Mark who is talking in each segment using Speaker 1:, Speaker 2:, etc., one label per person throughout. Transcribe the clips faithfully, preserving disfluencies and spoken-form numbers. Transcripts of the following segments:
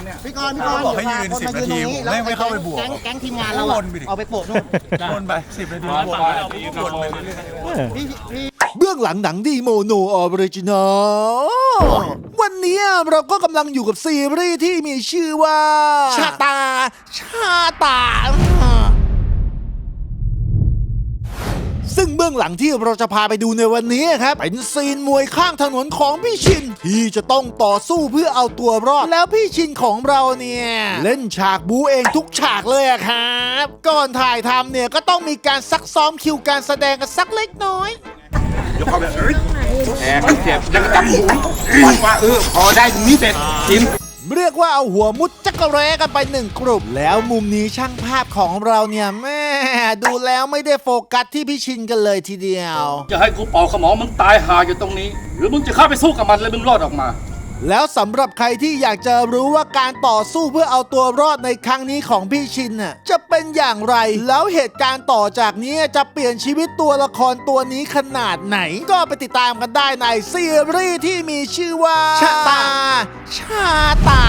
Speaker 1: เนี่ย
Speaker 2: พี่กรณ์พี่กรณ์
Speaker 3: บอกให้ยืนสิบนาทีผมไม่ไม่เข้าไปบวก
Speaker 2: แก๊งแก๊งทีมงานเราอะเอาไปโปะนู่น
Speaker 3: วนไปสิบนาทีวนไปวนไปเรื่อย
Speaker 2: พี่พี่
Speaker 4: เบื้องหลังหนังดีโมโนออริจินอลวันนี้เราก็กำลังอยู่กับซีรีส์ที่มีชื่อว่าชาตา ชาตา ซึ่งเบื้องหลังที่เราจะพาไปดูในวันนี้ครับเป็นซีนมวยข้างถนนของพี่ชิน ที่จะต้องต่อสู้เพื่อเอาตัวรอด แล้วพี่ชินของเราเนี่ยเล่นฉากบูเองทุกฉากเลยอะครับ ก่อนถ่ายทำเนี่ยก็ต้องมีการซักซ้อมคิวการแสดงกันสักเล็กน้อย
Speaker 1: ยกเข้าไปเอ้ยแอบเสียบยังจำหูว่าเออพอได้ตรงนี้เสร็จกิน
Speaker 4: เรียกว่าเอาหัวมุดจักรแร้กันไปหนึ่งกลุ่มแล้วมุมนี้ช่างภาพของเราเนี่ยแม่ดูแล้วไม่ได้โฟกัสที่พี่ชินกันเลยทีเดียว
Speaker 5: จะให้กูเป่าขมอมึงตายหาอยู่ตรงนี้ หรือมึงจะเข้าไปสู้กับมันแล้วมึงรอดออกมา
Speaker 4: แล้วสำหรับใครที่อยากจะรู้ว่าการต่อสู้เพื่อเอาตัวรอดในครั้งนี้ของพี่ชินน่ะจะเป็นอย่างไร แล้วเหตุการณ์ต่อจากนี้จะเปลี่ยนชีวิตตัวละครตัวนี้ขนาดไหน ก็ไปติดตามกันได้ในซีรีส์ที่มีชื่อว่าชาตา ชาตา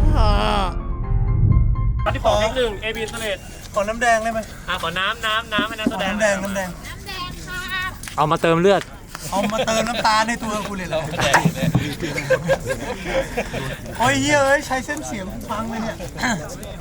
Speaker 6: ตอนที่สองเทคหนึ่งเอบีสเลด
Speaker 3: ๆขอน้ำแดงได้ไหม
Speaker 6: อ่ะขอน้ำน้ำน้ำให้นักแสดง
Speaker 3: น้ำแดงน้ำแดง
Speaker 6: เอามาเติมเลือด
Speaker 3: เอามาเติมน้ำตาลในตัวกูเลยเหรอโอ้ยเฮ้ยใช้เส้นเสียงฟังเลยเนี่ย